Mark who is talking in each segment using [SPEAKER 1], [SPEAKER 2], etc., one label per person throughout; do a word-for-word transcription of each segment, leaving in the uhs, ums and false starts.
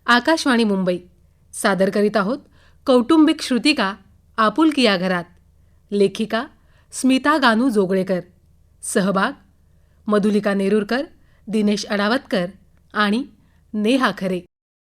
[SPEAKER 1] आकाशवाणी मुंबई सादर करीत आहोत कौटुंबिक श्रुतिका आपुलकी या घरात. लेखिका स्मिता गानू जोगळेकर. सहभाग मधुलिका नेरुरकर, दिनेश अडावतकर आणि नेहा खरे.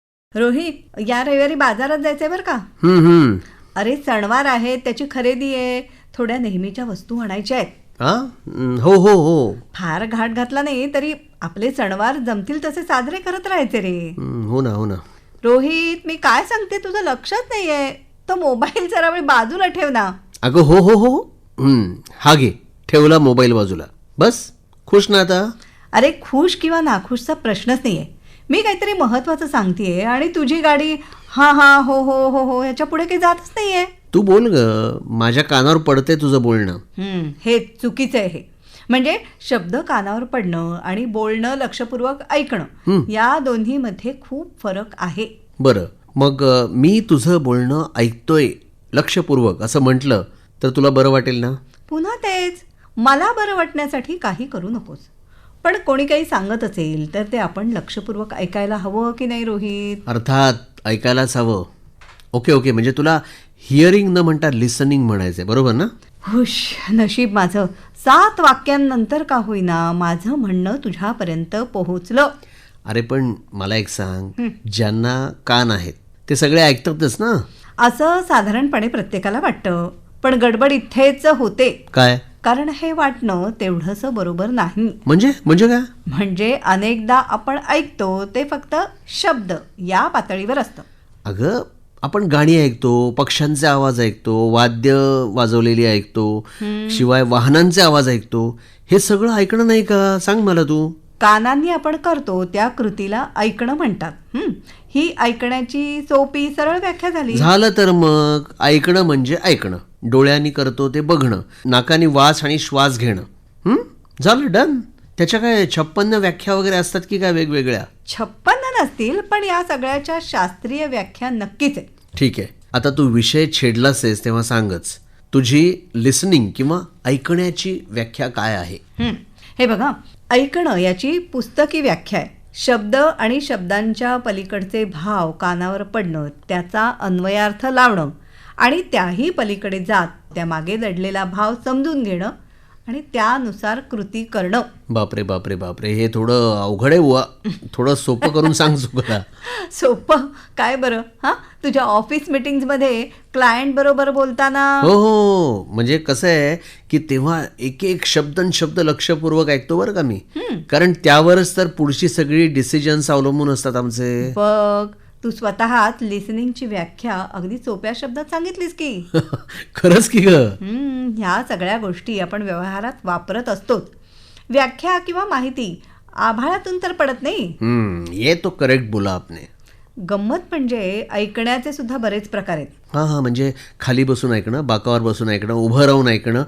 [SPEAKER 2] रोहित, या रविवारी बाजारात जायचंय बरं का?
[SPEAKER 3] हम्म हम्म
[SPEAKER 2] अरे सणवार आहेत, त्याची खरेदी आहे, थोड्या नेहमीच्या वस्तू आणायच्या आहेत.
[SPEAKER 3] हा हो हो हो
[SPEAKER 2] फार घाट घातला नाही तरी आपले सणवार जमतील तसे साजरे करत राहायचे रे.
[SPEAKER 3] हम्म, हो ना हो ना.
[SPEAKER 2] रोहित, मी काय सांगते तुझं लक्षात नाहीये. तो मोबाईल जरा वेळ बाजूला ठेव ना.
[SPEAKER 3] अगं हो हो हो हम्म, हा घे, ठेवला मोबाईल बाजूला. बस खुश ना आता?
[SPEAKER 2] अरे खुश किंवा नाखुशचा प्रश्नच नाहीये. मी काहीतरी महत्वाचं सांगतेय आणि तुझी गाडी हा हा हो हो हो हो ह्याच्या पुढे काही जातच नाहीये.
[SPEAKER 3] तू बोल ग, माझ्या कानावर पडते तुझं बोलणं.
[SPEAKER 2] हम्म, हे चुकीचं आहे. हे म्हणजे शब्द कानावर पडणं आणि बोलणं लक्षपूर्वक ऐकणं या दोन्हीमध्ये खूप फरक आहे.
[SPEAKER 3] बरं, मग अ, मी तुझं बोलणं ऐकतोय लक्षपूर्वक असं म्हटलं तर तुला बरं वाटेल ना?
[SPEAKER 2] पुन्हा तेच, मला बरं वाटण्यासाठी काही करू नकोस. पण कोणी काही सांगत असेल तर ते आपण लक्षपूर्वक ऐकायला हवं की नाही रोहित?
[SPEAKER 3] अर्थात ऐकायलाच हवं. ओके ओके, म्हणजे तुला हिअरिंग न म्हणता लिसनिंग म्हणायचंय, बरोबर ना?
[SPEAKER 2] हुश, नशीब माझं सात वाक्यांनंतर का होईना माझं म्हणणं तुझ्यापर्यंत पोहोचलं.
[SPEAKER 3] अरे पण मला एक सांग, ज्यांना कान आहेत ते सगळे ऐकतातच ना?
[SPEAKER 2] असं साधारणपणे प्रत्येकाला वाटतं, पण गडबड इथेच होते.
[SPEAKER 3] काय
[SPEAKER 2] कारण हे वाटणं तेवढंसं बरोबर नाही.
[SPEAKER 3] म्हणजे म्हणजे काय?
[SPEAKER 2] म्हणजे अनेकदा आपण ऐकतो ते फक्त शब्द या पातळीवर असतं.
[SPEAKER 3] अगं, आपण गाणी ऐकतो, पक्ष्यांचे आवाज ऐकतो, वाद्य वाजवलेली ऐकतो, शिवाय वाहनांचे आवाज ऐकतो. हे सगळं ऐकणं नाही का? सांग मला तू.
[SPEAKER 2] कानांनी आपण करतो त्या कृतीला ऐकणं म्हणतात. हं, ही ऐकण्याची सोपी सरळ व्याख्या झाली.
[SPEAKER 3] झालं तर मग ऐकणं म्हणजे ऐकणं. डोळ्यांनी करतो ते बघणं, नाकानी वास आणि श्वास घेणं. हं, झालं, डन. त्याच्या काय छप्पन्न व्याख्या वगैरे असतात की काय वेगवेगळ्या?
[SPEAKER 2] छप्पन्न नसतील, पण या सगळ्याच्या शास्त्रीय व्याख्या नक्कीच आहे.
[SPEAKER 3] ठीक आहे, आता तू विषय छेडलास आहेस तेव्हा सांगच, तुझी लिसनिंग किंवा ऐकण्याची व्याख्या काय आहे?
[SPEAKER 2] हं, हे बघा, ऐकणं याची पुस्तकी व्याख्या आहे. शब्द आणि शब्दांच्या पलीकडचे भाव कानावर पडणं, त्याचा अन्वयार्थ लावणं आणि त्याही पलीकडे जात त्यामागे दडलेला भाव समजून घेणं आणि त्यानुसार कृती करणं.
[SPEAKER 3] बापरे बापरे बापरे, हे थोडं अवघड आहे बुवा. थोडं सोपं करून सांग चुकला.
[SPEAKER 2] सोपं काय बरं? हां, तुझ्या ऑफिस मीटिंग्समध्ये क्लायंट बरोबर बोलताना.
[SPEAKER 3] हो हो, म्हणजे कसं आहे की तेव्हा एक एक शब्द न शब्द लक्षपूर्वक ऐकतो बरं का मी. कारण त्यावरच तर पुढची सगळी डिसिजन्स अवलंबून असतात आमचे.
[SPEAKER 2] बघ, तू स्वतःच लिसनिंगची व्याख्या अगदी सोप्या शब्दात सांगितलीस की.
[SPEAKER 3] खरंच की ग.
[SPEAKER 2] हम्म, ह्या सगळ्या गोष्टी आपण व्यवहारात वापरत असतोच. व्याख्या किंवा माहिती आभाळातून तर पडत नाही.
[SPEAKER 3] हम्म, ये तो करेक्ट बोला आपने.
[SPEAKER 2] गंमत म्हणजे ऐकण्याचे सुद्धा बरेच प्रकार आहेत.
[SPEAKER 3] हां हां, म्हणजे खाली बसून ऐकणं, बाकावर बसून ऐकणं, उभं राहून ऐकणं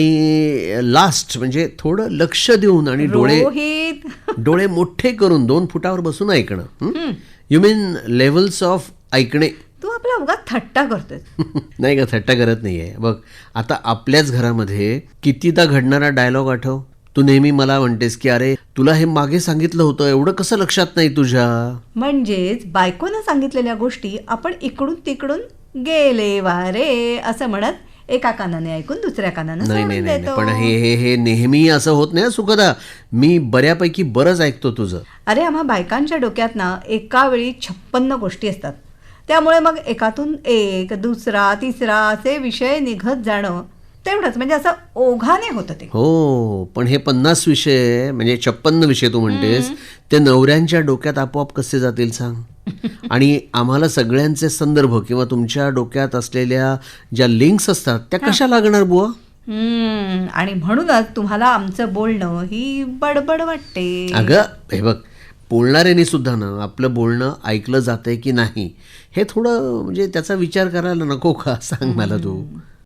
[SPEAKER 3] आणि लास्ट म्हणजे थोडं लक्ष देऊन आणि डोळे
[SPEAKER 2] रोहित,
[SPEAKER 3] डोळे मोठे करून दोन फुटावर बसून ऐकणं. यू मीन लेवल्स ऑफ ऐकणे.
[SPEAKER 2] तू आपला उगाच थट्टा करतोय.
[SPEAKER 3] नाही का, थट्टा करत नाहीये. बघ, आता आपल्याच घरामध्ये कितीदा घडणारा डायलॉग आठव. तू नेहमी मला म्हणतेस की अरे तुला हे मागे सांगितलं होतं, एवढं कसं लक्षात नाही तुझ्या?
[SPEAKER 2] म्हणजेच बायकोनं सांगितलेल्या गोष्टी आपण इकडून तिकडून गेले वारे असं म्हणत एका कानाने ऐकून दुसऱ्या कानाने
[SPEAKER 3] नाही नाही
[SPEAKER 2] सोडून
[SPEAKER 3] नाही,
[SPEAKER 2] देतो.
[SPEAKER 3] पण हे हे हे नेहमी असं होत नाही सुखदा. मी बऱ्यापैकी बरंच ऐकतो तुझं.
[SPEAKER 2] अरे, आम्हा बायकांच्या डोक्यात ना एका वेळी छप्पन्न गोष्टी असतात. त्यामुळे मग एकातून एक, दुसरा, तिसरा असे विषय निघत जाणं तेवढंच, म्हणजे असं ओघाने होतं ते.
[SPEAKER 3] हो, पण हे पन्नास विषय म्हणजे छप्पन्न विषय तू म्हणतेस ते नवऱ्यांच्या डोक्यात आपोआप कसे जातील सांग? आणि आम्हाला सगळ्यांचे संदर्भ किंवा तुमच्या डोक्यात असलेल्या ज्या लिंक्स असतात त्या कशा लागणार बुवा?
[SPEAKER 2] हम्म, आणि म्हणूनच तुम्हाला आमचं बोलणं ही बडबड वाटते.
[SPEAKER 3] अगं हे बघ, बोलणाऱ्यांनी सुद्धा ना आपलं बोलणं ऐकलं जातंय की नाही हे थोडं म्हणजे त्याचा विचार करायला नको का? सांग मला तू.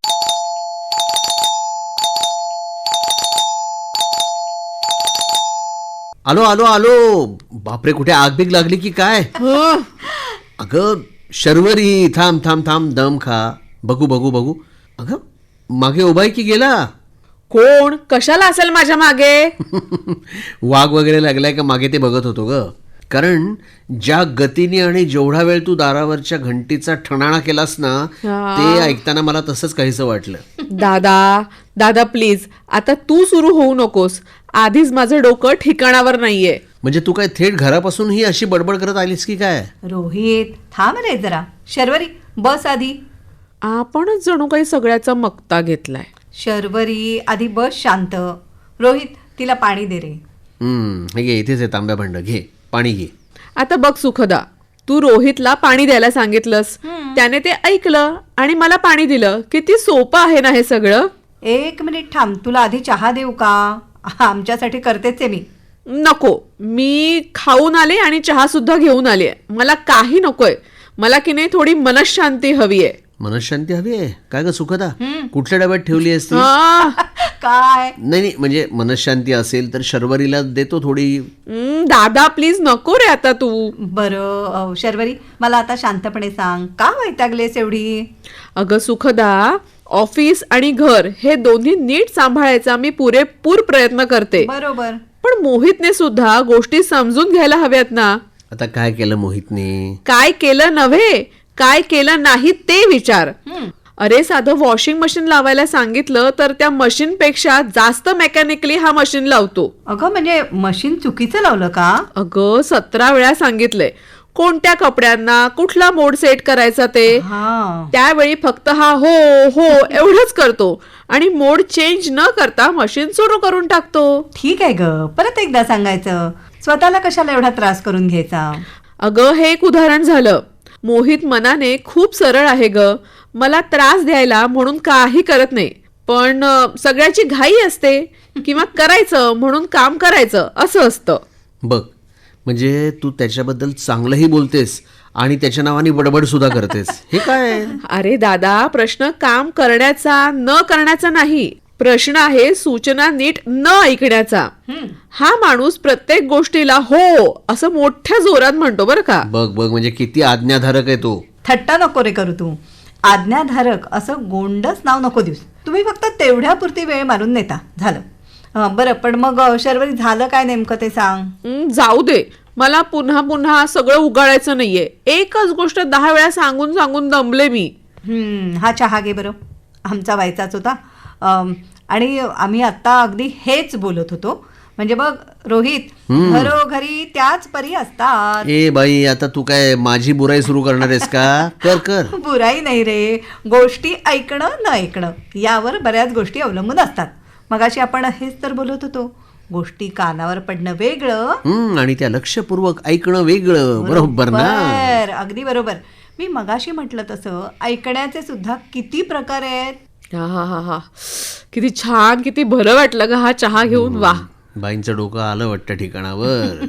[SPEAKER 3] आलो आलो आलो. बापरे, कुठे आग बिग लागली की काय? अगं शर्वरी, थांब थांब थांब, दम खा. बघू बघू बघू. अगं मागे उभाय की गेला?
[SPEAKER 1] कोण कशाला असेल माझ्या मागे?
[SPEAKER 3] वाघ वगैरे लागलाय का मागे ते बघत होतो ग. कारण ज्या गतीने आणि जेवढा वेळ तू दारावरच्या घंटीचा ठणाणा केलास ना, ते ऐकताना मला तसंच काहीसं वाटलं.
[SPEAKER 4] दादा दादा प्लीज आता तू सुरू होऊ नकोस. आधीच माझं डोकं ठिकाणावर नाहीये.
[SPEAKER 3] म्हणजे तू काय थेट घरापासून ही अशी बडबड करत आलीस की काय?
[SPEAKER 2] रोहित थांब रे जरा. शर्वरी बस आधी.
[SPEAKER 4] आपणच जणू काही सगळ्याचा मक्ता घेतलाय.
[SPEAKER 2] शर्वरी आधी बस शांत. रोहित तिला पाणी दे रे.
[SPEAKER 3] हम्म, हे घे, इथेच आहे तांब्या भांड, घे पाणी घे.
[SPEAKER 4] आता बघ सुखदा, तू रोहितला पाणी द्यायला सांगितलंस, त्याने ते ऐकलं आणि मला पाणी दिलं. किती सोपं आहे ना हे सगळं.
[SPEAKER 2] एक मिनिट थांब, तुला आधी चहा देऊ का? आमच्यासाठी करतेच आहे मी.
[SPEAKER 4] नको, मी खाऊन आले आणि चहा सुद्धा घेऊन आले. मला काही नकोय. मला की नाही थोडी मनशांती हवी आहे.
[SPEAKER 3] मनशांती हवी आहे काय ग सुखदा? कुठल्या डब्यात ठेवली असती?
[SPEAKER 4] आ,
[SPEAKER 2] काय
[SPEAKER 3] नाही नाही, म्हणजे मनशांती असेल तर शर्वरीला देतो थोडी.
[SPEAKER 4] हं, दादा प्लीज नको रे आता तू.
[SPEAKER 2] बरं अ, शर्वरी मला आता शांतपणे सांग, का वैतागलेस एवढी?
[SPEAKER 4] अगं सुखदा, ऑफिस आणि घर हे दोन्ही नीट सांभाळायचा मी पुरेपूर प्रयत्न करते.
[SPEAKER 2] बरोबर.
[SPEAKER 4] पण मोहितने सुद्धा गोष्टी समजून घ्यायला हव्यात ना.
[SPEAKER 3] आता काय केलं मोहितने?
[SPEAKER 4] काय केलं नव्हे, काय केलं नाही ते विचार. अरे साधं वॉशिंग मशीन लावायला सांगितलं तर त्या मशीन पेक्षा जास्त मेकॅनिकली हा मशीन लावतो.
[SPEAKER 2] अगं म्हणजे मशीन चुकीचं लावलं का?
[SPEAKER 4] अगं सतरा वेळा सांगितलंय कोणत्या कपड्यांना कुठला मोड सेट करायचा ते.
[SPEAKER 2] हा
[SPEAKER 4] त्यावेळी फक्त हा हो हो एवढंच करतो आणि मोड चेंज न करता मशीन सुरू करून टाकतो.
[SPEAKER 2] ठीक आहे ग, परत एकदा सांगायचं. स्वतःला कशाला एवढा त्रास करून घ्यायचा?
[SPEAKER 4] अगं हे एक उदाहरण झालं. मोहित मनाने खूप सरळ आहे ग. मला त्रास द्यायला म्हणून काही करत नाही, पण अ, सगळ्याची घाई असते किंवा करायचं म्हणून काम करायचं असं असतं.
[SPEAKER 3] बघ, म्हणजे तू त्याच्याबद्दल चांगलंही बोलतेस आणि त्याच्या नावाने बडबड सुद्धा करतेस. हे काय?
[SPEAKER 4] अरे दादा, प्रश्न काम करण्याचा न करण्याचा नाही. प्रश्न आहे सूचना नीट न ऐकण्याचा. हा माणूस प्रत्येक गोष्टीला हो असं मोठ्या जोरात म्हणतो बरं का.
[SPEAKER 3] बघ बघ, म्हणजे किती आज्ञाधारक आहे तो.
[SPEAKER 2] थट्टा नको रे करू तू. आज्ञाधारक असं गोंडच नाव नको देऊस. तुम्ही फक्त तेवढ्यापुरती वेळ मारून नेता, झालं. हं, बरं पण मग अ, शर्वरी झालं काय नेमकं ते सांग.
[SPEAKER 4] हं, जाऊ दे, मला पुन्हा पुन्हा सगळं उगाळायचं नाहीये. एकच गोष्ट दहा वेळा सांगून सांगून दमले मी.
[SPEAKER 2] हं, हा चहा घे बरं. आमचा व्हायचाच होता. अम, आणि आम्ही आत्ता अगदी हेच बोलत होतो. म्हणजे बघ रोहित, घरोघरी त्याच परी असतात.
[SPEAKER 3] ए बाई, आता तू काय माझी बुराई सुरू करणार आहेस का? कर कर.
[SPEAKER 2] बुराई नाही रे, गोष्टी ऐकणं न ऐकणं यावर बऱ्याच गोष्टी अवलंबून असतात. मगाशी आपण हेच तर बोलत होतो. गोष्टी कानावर पडणं वेगळं
[SPEAKER 3] हम्म, आणि त्या लक्षपूर्वक ऐकणं वेगळं. बरोबर ना?
[SPEAKER 2] बरोबर, अगदी बरोबर. मी मगाशी म्हटलं तसं ऐकण्याचे सुद्धा किती प्रकार आहेत.
[SPEAKER 4] हा हा हा हा किती छान, किती बरं वाटलं ग हा चहा घेऊन. वा,
[SPEAKER 3] बाईंचं डोकं आलं वाटतं ठिकाणावर.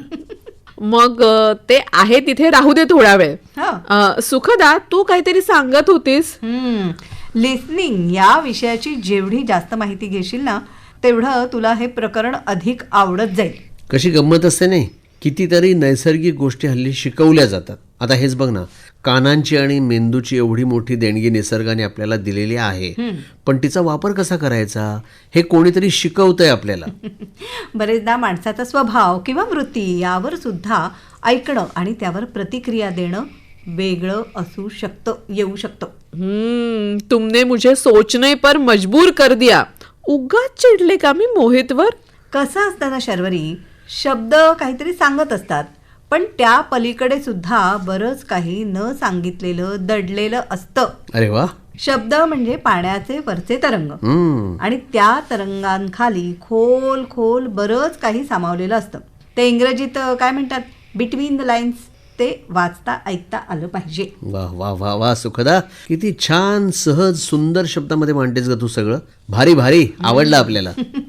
[SPEAKER 4] मग अ, ते आहे तिथे राहू दे थोडा वेळ.
[SPEAKER 2] हं.
[SPEAKER 4] अ, सुखदा, तू काहीतरी सांगत होतीस.
[SPEAKER 2] हम्म, लिसनिंग या विषयाची जेवढी जास्त माहिती घेशील ना, तेवढं तुला हे प्रकरण अधिक आवडत जाईल.
[SPEAKER 3] कशी गंमत असते नाही, कितीतरी नैसर्गिक गोष्टी हल्ली शिकवल्या जातात. आता हेच बघ ना, कानांची आणि मेंदूची एवढी मोठी देणगी निसर्गाने आपल्याला दिलेली आहे, पण तिचा वापर कसा करायचा हे कोणीतरी शिकवतंय आपल्याला.
[SPEAKER 2] बरेचदा माणसाचा स्वभाव किंवा वृत्ती यावर सुद्धा ऐकणं आणि त्यावर प्रतिक्रिया देणं वेगळं असू शकतं, येऊ शकतं.
[SPEAKER 4] हम्म, तुमने मुझे सोचने पर मजबूर कर दिया. उगाच चिडले का मी मोहितवर?
[SPEAKER 2] कसं असतं ना शर्वरी, शब्द काहीतरी सांगत असतात, पण त्या पलीकडे सुद्धा बरंच काही न सांगितलेलं दडलेलं असतं.
[SPEAKER 3] अरे वा.
[SPEAKER 2] शब्द म्हणजे पाण्याचे वरचे तरंग,
[SPEAKER 3] हम्म.
[SPEAKER 2] आणि त्या तरंगांखाली खोल खोल बरंच काही सामावलेलं असतं. ते इंग्रजीत अ, काय म्हणतात, बिटवीन द लाईन्स. ते वाचता ऐकता आलं पाहिजे.
[SPEAKER 3] वा वा वा वा सुखदा, किती छान सहज सुंदर शब्दामध्ये मांडतेस ग तू सगळं. भारी भारी, आवडलं आपल्याला.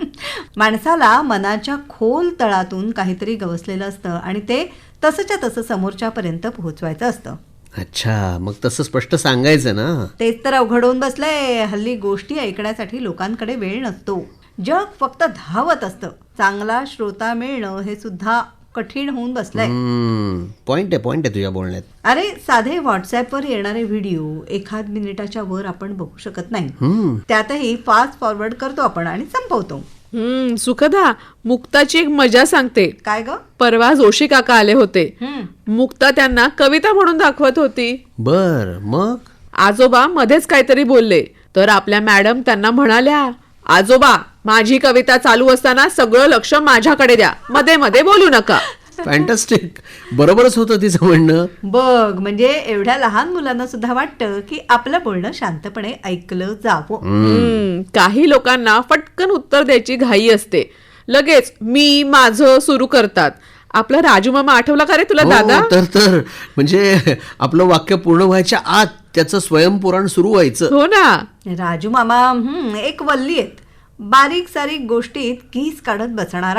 [SPEAKER 2] माणसाला मनाच्या खोल तळातून काहीतरी गवसलेलं असतं आणि ते तसंच्या तसं समोरच्यापर्यंत पोहोचवायचं असतं.
[SPEAKER 3] अच्छा, मग तसं स्पष्ट सांगायचं ना.
[SPEAKER 2] तेच तर अवघड होऊन बसलंय. हल्ली गोष्टी ऐकण्यासाठी लोकांकडे वेळ नसतो. जग फक्त धावत असतं. चांगला श्रोता मिळणं हे सुद्धा कठीण होऊन बसलंय.
[SPEAKER 3] पॉइंट आहे पॉइंट आहे तुझ्या बोलण्यात.
[SPEAKER 2] अरे साधे व्हॉट्सअपवर येणारे व्हिडिओ एखाद मिनिटाच्या वर आपण बघू शकत नाही. त्यातही फास्ट फॉरवर्ड करतो आपण आणि संपवतो.
[SPEAKER 4] हम्म सुखदा, मुक्ताची एक मजा सांगते.
[SPEAKER 2] काय ग?
[SPEAKER 4] परवा जोशी काका आले होते.
[SPEAKER 2] हम्म.
[SPEAKER 4] मुक्ता त्यांना कविता म्हणून दाखवत होती.
[SPEAKER 3] बर मग
[SPEAKER 4] आजोबा मध्येच काहीतरी बोलले तर आपल्या मॅडम त्यांना म्हणाल्या, आजोबा माझी कविता चालू असताना सगळं लक्ष माझ्याकडे द्या, मध्ये मध्ये बोलू नका.
[SPEAKER 3] फॅन्टॅस्टिक. बरोबरच होतं तिचं म्हणणं.
[SPEAKER 2] बघ, म्हणजे एवढ्या लहान मुलांना सुद्धा वाटतं की आपलं बोलणं शांतपणे ऐकलं जावं.
[SPEAKER 4] हम्म, काही लोकांना फटकन उत्तर द्यायची घाई असते. लगेच मी माझं सुरू करतात. आपला राजू मामा आठवला का रे तुला
[SPEAKER 3] हो,
[SPEAKER 4] दादा?
[SPEAKER 3] तर तर म्हणजे आपलं वाक्य पूर्ण व्हायच्या आत त्याचं स्वयंपुराण सुरू व्हायचं.
[SPEAKER 4] हो ना.
[SPEAKER 2] राजू मामा हम्म, एक वल्ली आहेत. बारीक सारीक गोष्टीत कीस काढत बसणारा.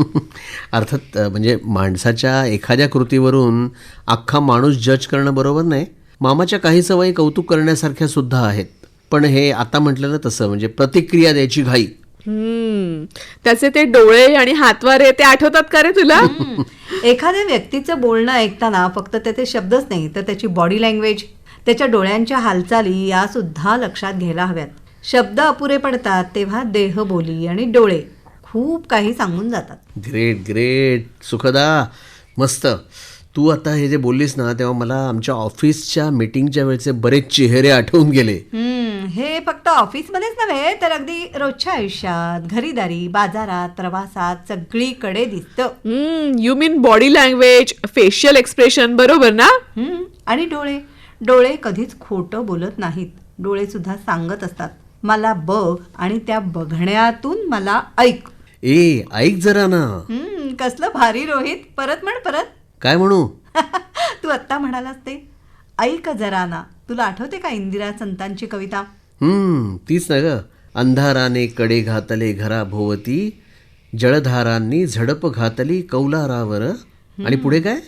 [SPEAKER 3] अर्थात अ, म्हणजे माणसाच्या एखाद्या कृतीवरून अख्खा माणूस जज करणं बरोबर नाही. मामाच्या काही सवयी कौतुक करण्यासारख्या सुद्धा आहेत. पण हे आता म्हटलेलं तसं म्हणजे प्रतिक्रिया द्यायची घाई.
[SPEAKER 4] हम्म, त्याचे ते डोळे आणि हातवारे ते आठवतात का रे तुला?
[SPEAKER 2] हम्म. एखाद्या व्यक्तीचं बोलणं ऐकताना फक्त त्याचे शब्दच नाही तर त्याची बॉडी लँग्वेज, त्याच्या डोळ्यांच्या हालचाली या सुद्धा लक्षात घ्यायला हव्यात. शब्द अपुरे पडतात तेव्हा देहबोली आणि डोळे खूप काही सांगून जातात.
[SPEAKER 3] ग्रेट ग्रेट सुखदा, मस्त. तू आता हे जे बोललीस ना तेव्हा मला आमच्या ऑफिसच्या मीटिंगच्या वेळचे बरेच चेहरे आठवून गेले.
[SPEAKER 2] हम्म, हे फक्त ऑफिसमध्येच नव्हे तर अगदी रोजच्या आयुष्यात, घरीदारी, बाजारात, प्रवासात सगळीकडे दिसतं.
[SPEAKER 4] Hmm, you mean body language, facial expression, बरोबर ना?
[SPEAKER 2] हम्म, आणि डोळे डोळे कधीच खोटं बोलत नाहीत. डोळे सुद्धा सांगत असतात, मला बघ आणि त्या बघण्यातून मला ऐक.
[SPEAKER 3] ए ऐक जरा ना.
[SPEAKER 2] हम्म, कसलं भारी रोहित. परत म्हण परत.
[SPEAKER 3] काय म्हणू?
[SPEAKER 2] तू आत्ता म्हणालास ते ऐक जरा ना. तुला आठवते का इंदिरा संतांची कविता?
[SPEAKER 3] हम्म तीच ना ग. अंधाराने कडे घातले घराभोवती, जळधारांनी झडप घातली कौलारावर. आणि पुढे काय?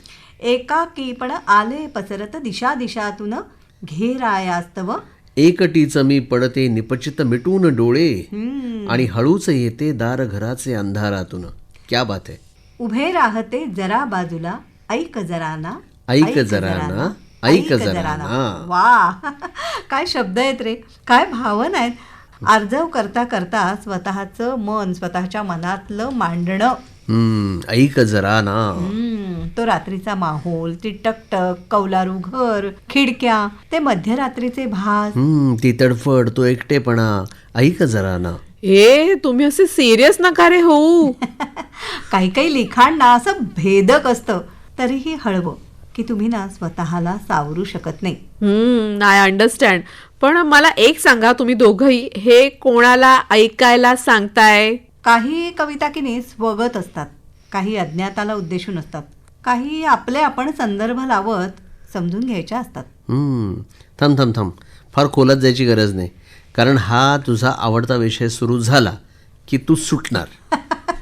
[SPEAKER 2] एकाकीपण आले पसरत दिशा दिशातून, घेरायास्तव.
[SPEAKER 3] एकटीच मी पडते निपचित मिटून डोळे,
[SPEAKER 2] हम्म,
[SPEAKER 3] आणि हळूच येते दार घराचे अंधारातून. क्या बात आहे.
[SPEAKER 2] उभे राहते जरा बाजूला, ऐक जरा ना.
[SPEAKER 3] ऐक जरा ना, ऐक जरा ना.
[SPEAKER 2] वा, काय शब्द आहेत रे, काय भावना आहेत. अर्जव करता करता स्वतःचं मन, स्वतःच्या मनातलं मांडणं.
[SPEAKER 3] हम्म ऐक जरा ना.
[SPEAKER 2] हम्म, तो रात्रीचा माहोल, ती टकटक, कौलारू घर, खिडक्या, ते मध्यरात्रीचे भास.
[SPEAKER 3] हम्म ती तडफड, तो एकटेपणा. ऐक जरा ना.
[SPEAKER 4] ए तुम्ही असे सिरियस नका रे होऊ.
[SPEAKER 2] काही काही लिखाण ना असं भेदक असतं, तरीही हळवं की तुम्ही ना स्वतःला सावरू शकत नाही.
[SPEAKER 4] हम्म, आय अंडरस्टँड. पण मला एक सांगा, तुम्ही दोघंही हे कोणाला ऐकायला सांगताय?
[SPEAKER 2] काही कविता की नाही स्वगत असतात, काही अज्ञाताला उद्देशून असतात, काही आपले आपण संदर्भ लावत समजून घ्यायच्या असतात.
[SPEAKER 3] हम्म थांब थांब थांब फार खोलात जायची गरज नाही, कारण हा तुझा आवडता विषय सुरू झाला की तू सुटणार.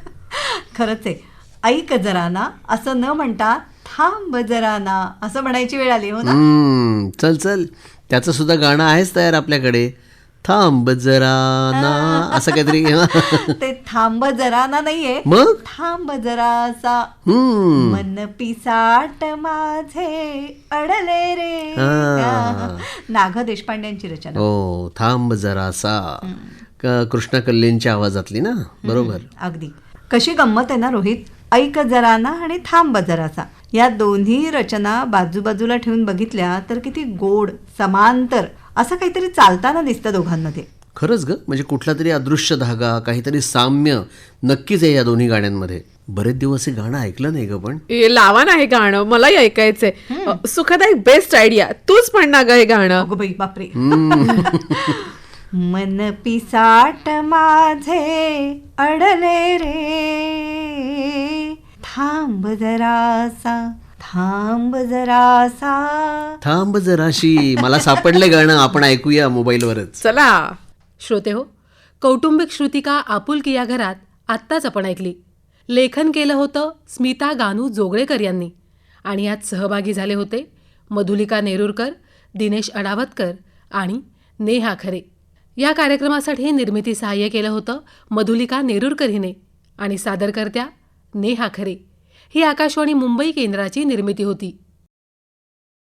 [SPEAKER 2] खरंच आहे. ऐक जरा ना असं न म्हणता थांब जरा ना असं म्हणायची वेळ आली. हो ना?
[SPEAKER 3] हम्म चल चल, त्याचं सुद्धा गाणं आहेच तयार आपल्याकडे. थांब जरा ना असं काहीतरी.
[SPEAKER 2] ते थांब जरा ना नाहीये,
[SPEAKER 3] मग
[SPEAKER 2] थांब जरासा.
[SPEAKER 3] हम्म
[SPEAKER 2] मन पिसाट माझे अडले रे.
[SPEAKER 3] हा.
[SPEAKER 2] नाग देशपांड्यांची रचना.
[SPEAKER 3] हो थांब जरासा. क- कृष्णा कल्लेंच्या आवाजातली ना. बरोबर.
[SPEAKER 2] अगदी. कशी गंमत आहे ना रोहित. ऐक जरा ना आणि थांब जरासा या दोन्ही रचना बाजूबाजूला ठेवून बघितल्या तर किती गोड, समांतर असं काहीतरी चालताना दिसतं दोघांमध्ये.
[SPEAKER 3] खरंच ग, म्हणजे कुठला तरी अदृश्य धागा, काहीतरी साम्य नक्कीच आहे या दोन्ही गाण्यांमध्ये. बरेच दिवस हे गाणं ऐकलं नाही ग. पण
[SPEAKER 4] ए, लावा ना हे गाणं, मलाही ऐकायचंय. अ, सुखदा, एक बेस्ट आयडिया. तूच म्हण ना ग हे गाणं.
[SPEAKER 2] अगं बाई, बापरे. मन पिसाट माझे अडले रे, थांब जरासा, थांब जरासा.
[SPEAKER 3] थांब जराशी. मला सापडले गाणं, आपण ऐकूया मोबाईलवरच.
[SPEAKER 4] चला.
[SPEAKER 1] श्रोते हो, कौटुंबिक श्रुतिका आपुलकी या घरात आत्ताच आपण ऐकली. लेखन केलं होतं स्मिता गानू जोगळेकर यांनी, आणि यात सहभागी झाले होते मधुलिका नेरुरकर, दिनेश अडावतकर आणि नेहा खरे. या कार्यक्रमासाठी निर्मिती सहाय्य केलं होतं मधुलिका नेरुरकर हिने, आणि सादरकर्त्या नेहा खरे. ही आकाशवाणी मुंबई केंद्राची निर्मिती होती.